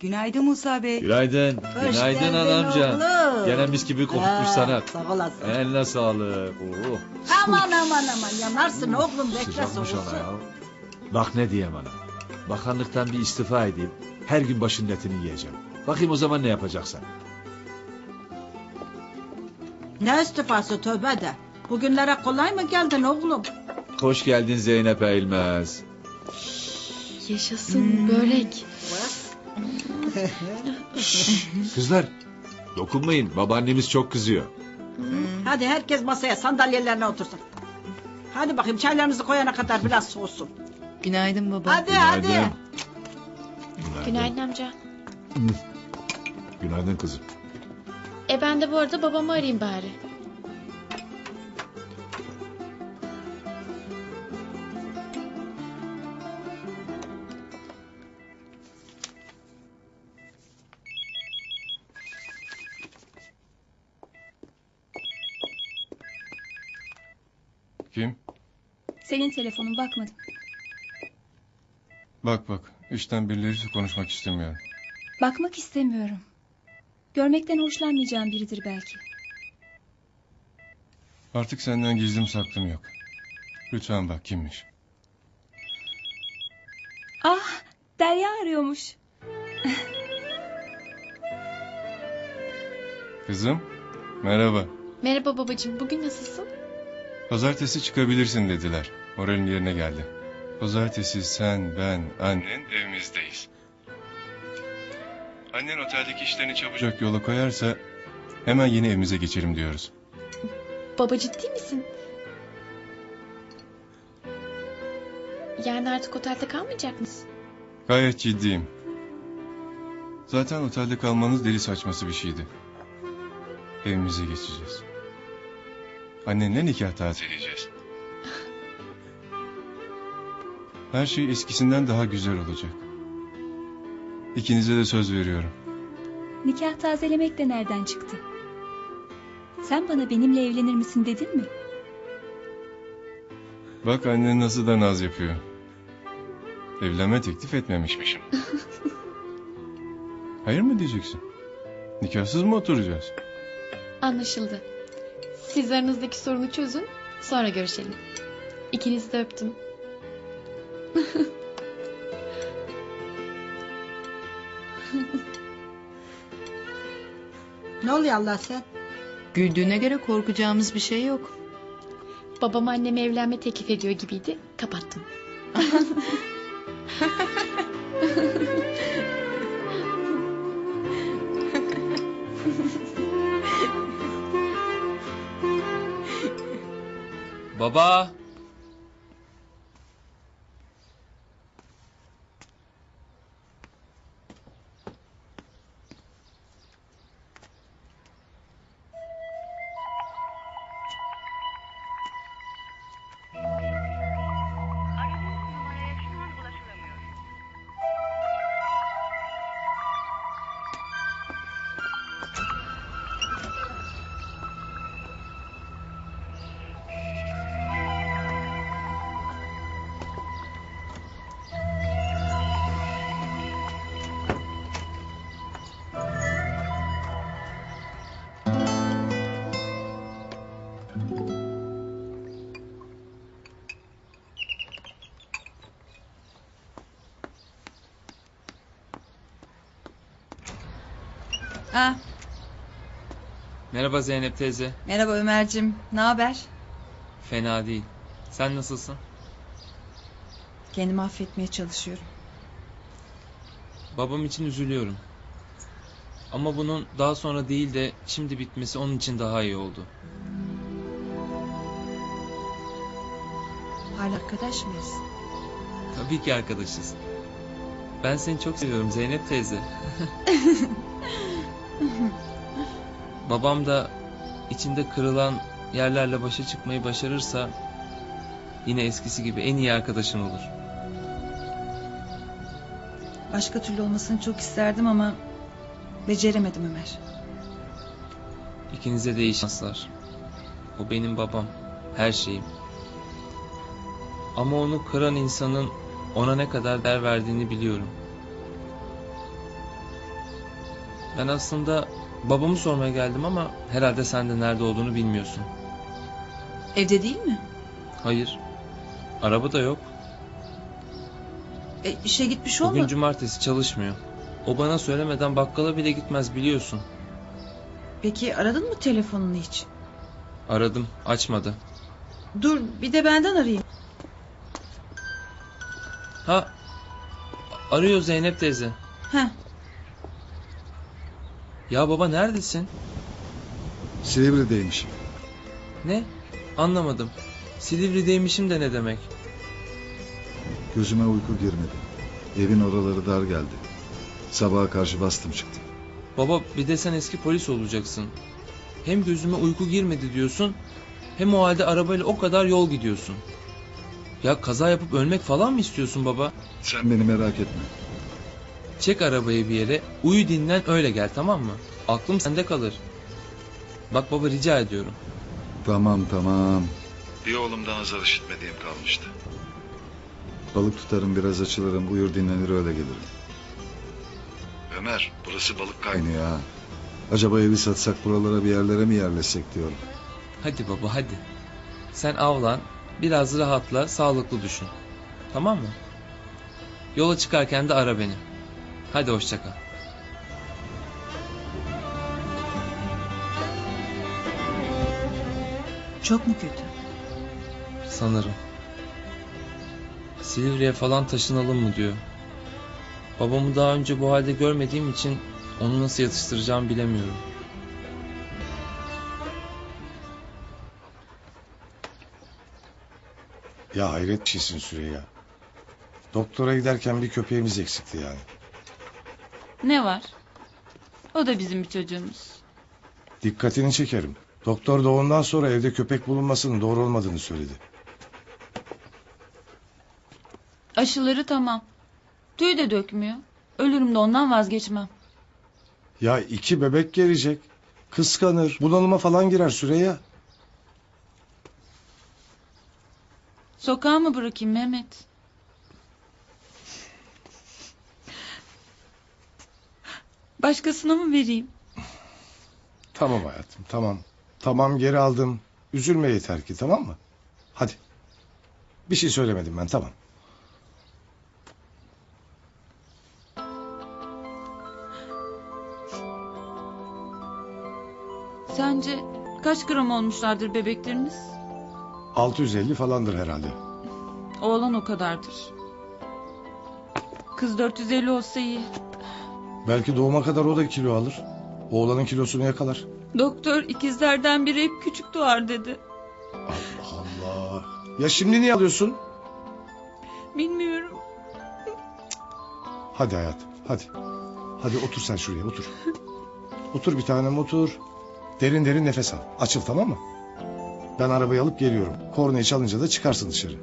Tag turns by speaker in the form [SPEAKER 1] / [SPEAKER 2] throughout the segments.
[SPEAKER 1] Günaydın Musa Bey.
[SPEAKER 2] Günaydın.
[SPEAKER 3] Hoş
[SPEAKER 2] Günaydın
[SPEAKER 3] geldin
[SPEAKER 2] anamcan.
[SPEAKER 3] oğlum.
[SPEAKER 2] Gene mis gibi kokutmuş sana.
[SPEAKER 3] Sağ olasın.
[SPEAKER 2] Eline sağlık. Oh.
[SPEAKER 3] Aman yanarsın oğlum, bekle
[SPEAKER 2] Sıcakmış
[SPEAKER 3] soğusun.
[SPEAKER 2] ona ya. Bak ne diyeyim ana. Bakanlıktan bir istifa edeyim. Her gün başının etini yiyeceğim. Bakayım o zaman ne yapacaksın?
[SPEAKER 3] Ne istifası, tövbe de. Bugünlere kolay mı geldin oğlum?
[SPEAKER 2] Hoş geldin Zeynep Eğilmez.
[SPEAKER 4] Yaşasın börek.
[SPEAKER 2] Kızlar dokunmayın. Babaannemiz çok kızıyor.
[SPEAKER 3] Hadi herkes masaya, sandalyelerine otursun. Hadi bakayım, çaylarınızı koyana kadar biraz soğusun.
[SPEAKER 1] Günaydın baba.
[SPEAKER 3] Hadi hadi.
[SPEAKER 4] Günaydın amca.
[SPEAKER 2] Günaydın kızım.
[SPEAKER 4] Ben de bu arada babamı arayayım bari.
[SPEAKER 5] Kim?
[SPEAKER 6] Senin telefonun, bakmadım.
[SPEAKER 5] Bak. Üçten birileri konuşmak istemiyorum.
[SPEAKER 6] Bakmak istemiyorum. Görmekten hoşlanmayacağım biridir belki.
[SPEAKER 5] Artık senden gizlim saklım yok. Lütfen bak kimmiş.
[SPEAKER 6] Ah, Derya arıyormuş.
[SPEAKER 5] Kızım, merhaba.
[SPEAKER 4] Merhaba babacığım, bugün nasılsın?
[SPEAKER 5] Pazartesi çıkabilirsin dediler. Moralin yerine geldi. Pazartesi sen, ben, annen evimizdeyiz. Annen oteldeki işlerini çabucak yola koyarsa hemen yeni evimize geçelim diyoruz.
[SPEAKER 4] Baba, ciddi misin? Yani artık otelde kalmayacak mısın?
[SPEAKER 5] Gayet ciddiyim. Zaten otelde kalmanız deli saçması bir şeydi. Evimize geçeceğiz. Annenle nikah tazeleyeceğiz. Her şey eskisinden daha güzel olacak. İkinize de söz veriyorum.
[SPEAKER 6] Nikah tazelemek de nereden çıktı? Sen bana benimle evlenir misin dedin mi?
[SPEAKER 5] Bak annen nasıl da naz yapıyor. Evlenme teklif etmemişmişim. Hayır mı diyeceksin? Nikahsız mı oturacağız?
[SPEAKER 4] Anlaşıldı. Siz aranızdaki sorunu çözün, sonra görüşelim. İkinizi de öptüm.
[SPEAKER 3] Ne oluyor Allah sen?
[SPEAKER 1] Güldüğüne göre korkacağımız bir şey yok.
[SPEAKER 4] Babam anneme evlenme teklif ediyor gibiydi, kapattım.
[SPEAKER 7] Baba.
[SPEAKER 1] Ah,
[SPEAKER 7] Merhaba Zeynep teyze.
[SPEAKER 1] merhaba Ömer'cim. Ne haber?
[SPEAKER 7] Fena değil. Sen nasılsın?
[SPEAKER 1] Kendimi affetmeye çalışıyorum.
[SPEAKER 7] Babam için üzülüyorum. Ama bunun daha sonra değil de şimdi bitmesi onun için daha iyi oldu.
[SPEAKER 1] Hala arkadaş mıyız?
[SPEAKER 7] Tabii ki arkadaşız. Ben seni çok seviyorum Zeynep teyze. Babam da içinde kırılan yerlerle başa çıkmayı başarırsa yine eskisi gibi en iyi arkadaşın olur.
[SPEAKER 1] Başka türlü olmasını çok isterdim ama beceremedim Ömer.
[SPEAKER 7] İkinize de iyi şanslar. O benim babam, her şeyim. Ama onu kıran insanın ona ne kadar değer verdiğini biliyorum. Ben aslında babamı sormaya geldim ama herhalde sen de nerede olduğunu bilmiyorsun.
[SPEAKER 1] Evde değil mi?
[SPEAKER 7] Hayır. Araba da yok.
[SPEAKER 1] İşe gitmiş
[SPEAKER 7] Bugün
[SPEAKER 1] olma.
[SPEAKER 7] cumartesi çalışmıyor. O bana söylemeden bakkala bile gitmez biliyorsun.
[SPEAKER 1] Peki aradın mı telefonunu hiç?
[SPEAKER 7] Aradım, açmadı.
[SPEAKER 1] Dur bir de benden arayayım.
[SPEAKER 7] Ha, arıyor Zeynep teyze.
[SPEAKER 1] Heh.
[SPEAKER 7] Ya baba neredesin?
[SPEAKER 8] Silivri'deymişim.
[SPEAKER 7] Ne? Anlamadım. Silivri'deymişim de ne demek?
[SPEAKER 8] Gözüme uyku girmedi. Evin oraları dar geldi. Sabaha karşı bastım çıktım.
[SPEAKER 7] Baba bir de sen eski polis olacaksın. Hem gözüme uyku girmedi diyorsun, hem o halde arabayla o kadar yol gidiyorsun. Ya kaza yapıp ölmek falan mı istiyorsun baba?
[SPEAKER 8] Sen beni merak etme.
[SPEAKER 7] Çek arabayı bir yere, uyu dinlen öyle gel tamam mı? Aklım sende kalır. Bak baba rica ediyorum.
[SPEAKER 8] Tamam. Bir oğlumdan azar işitmediğim kalmıştı. Balık tutarım, biraz açılırım, uyur dinlenir öyle gelirim. Ömer, burası balık kaynıyor ha. Acaba evi satsak buralara bir yerlere mi yerleşsek diyorum.
[SPEAKER 7] Hadi baba hadi. Sen avlan, biraz rahatla, sağlıklı düşün. Tamam mı? Yola çıkarken de ara beni. Hadi hoşça kal.
[SPEAKER 1] Çok mu kötü?
[SPEAKER 7] Sanırım. Silivri'ye falan taşınalım mı diyor. Babamı daha önce bu halde görmediğim için onu nasıl yatıştıracağımı bilemiyorum.
[SPEAKER 9] Ya hayret bir şeysin Süreyya. Doktora giderken bir köpeğimiz eksikti yani.
[SPEAKER 10] Ne var? O da bizim bir çocuğumuz.
[SPEAKER 9] Dikkatini çekerim. Doktor doğumdan sonra evde köpek bulunmasının doğru olmadığını söyledi.
[SPEAKER 10] Aşıları tamam. Tüy de dökmüyor. Ölürüm de ondan vazgeçmem.
[SPEAKER 9] Ya 2 bebek gelecek. Kıskanır, bunalıma falan girer Süreyya.
[SPEAKER 10] Sokağa mı bırakayım Mehmet? Başkasına mı vereyim?
[SPEAKER 9] Tamam hayatım, tamam. Tamam, geri aldım. Üzülme yeter ki, tamam mı? Hadi. Bir şey söylemedim ben, tamam.
[SPEAKER 10] Sence kaç gram olmuşlardır bebekleriniz?
[SPEAKER 9] 650 falandır herhalde.
[SPEAKER 10] Oğlan o kadardır. Kız 450 olsa iyi.
[SPEAKER 9] Belki doğuma kadar o da kilo alır. Oğlanın kilosunu yakalar.
[SPEAKER 10] Doktor ikizlerden biri hep küçük doğar dedi.
[SPEAKER 9] Allah Allah. Ya şimdi niye alıyorsun?
[SPEAKER 10] Bilmiyorum.
[SPEAKER 9] Hadi hayatım, hadi. Hadi otur sen şuraya, otur. Otur bir tanem, otur. Derin derin nefes al. Açıl, tamam mı? Ben arabayı alıp geliyorum. Kornayı çalınca da çıkarsın dışarı.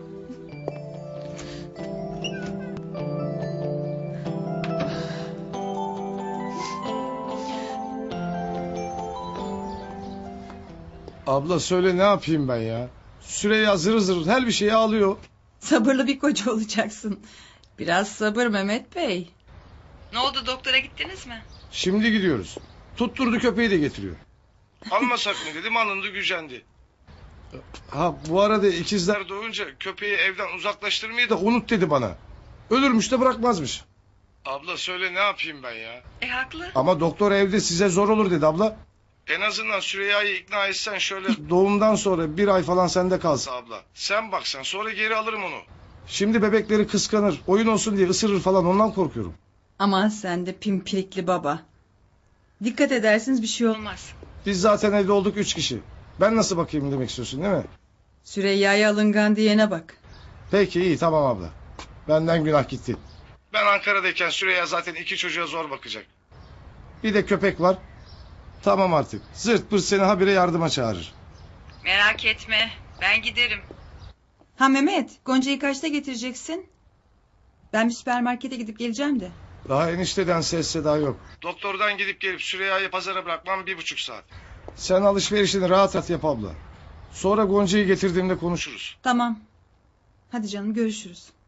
[SPEAKER 9] Abla söyle, ne yapayım ben ya? Süreyya zırır zırır her bir şeyi alıyor.
[SPEAKER 1] Sabırlı bir koca olacaksın. Biraz sabır Mehmet Bey. Ne oldu, doktora gittiniz mi?
[SPEAKER 9] Şimdi gidiyoruz. Tutturdu, köpeği de getiriyor. Almasak mı dedim, alındı, gücendi. Ha bu arada ikizler doğunca köpeği evden uzaklaştırmayı da unut dedi bana. Ölürmüş de bırakmazmış. Abla söyle, ne yapayım ben ya?
[SPEAKER 1] Haklı.
[SPEAKER 9] Ama doktor evde size zor olur dedi abla. En azından Süreyya'yı ikna etsen şöyle doğumdan sonra 1 ay falan sende kalsa abla. Sen baksan, sonra geri alırım onu. Şimdi bebekleri kıskanır, oyun olsun diye ısırır falan, ondan korkuyorum.
[SPEAKER 1] Aman sen de pimpirikli baba. Dikkat edersiniz bir şey olmaz.
[SPEAKER 9] Biz zaten evde olduk 3 kişi. Ben nasıl bakayım demek istiyorsun değil mi?
[SPEAKER 1] Süreyya'ya alıngan diyene bak.
[SPEAKER 9] Peki iyi, tamam abla. Benden günah gitti. Ben Ankara'dayken Süreyya zaten 2 çocuğa zor bakacak. Bir de köpek var. Tamam artık. Zırt pırt seni habire yardıma çağırır.
[SPEAKER 1] Merak etme, ben giderim. Ha Mehmet, Gonca'yı kaçta getireceksin? Ben bir süpermarkete gidip geleceğim de.
[SPEAKER 9] Daha enişteden ses seda yok. Doktordan gidip gelip Süreyya'yı pazara bırakmam 1,5 saat. Sen alışverişini rahat rahat yap abla. Sonra Gonca'yı getirdiğimde konuşuruz.
[SPEAKER 1] Tamam. Hadi canım, görüşürüz.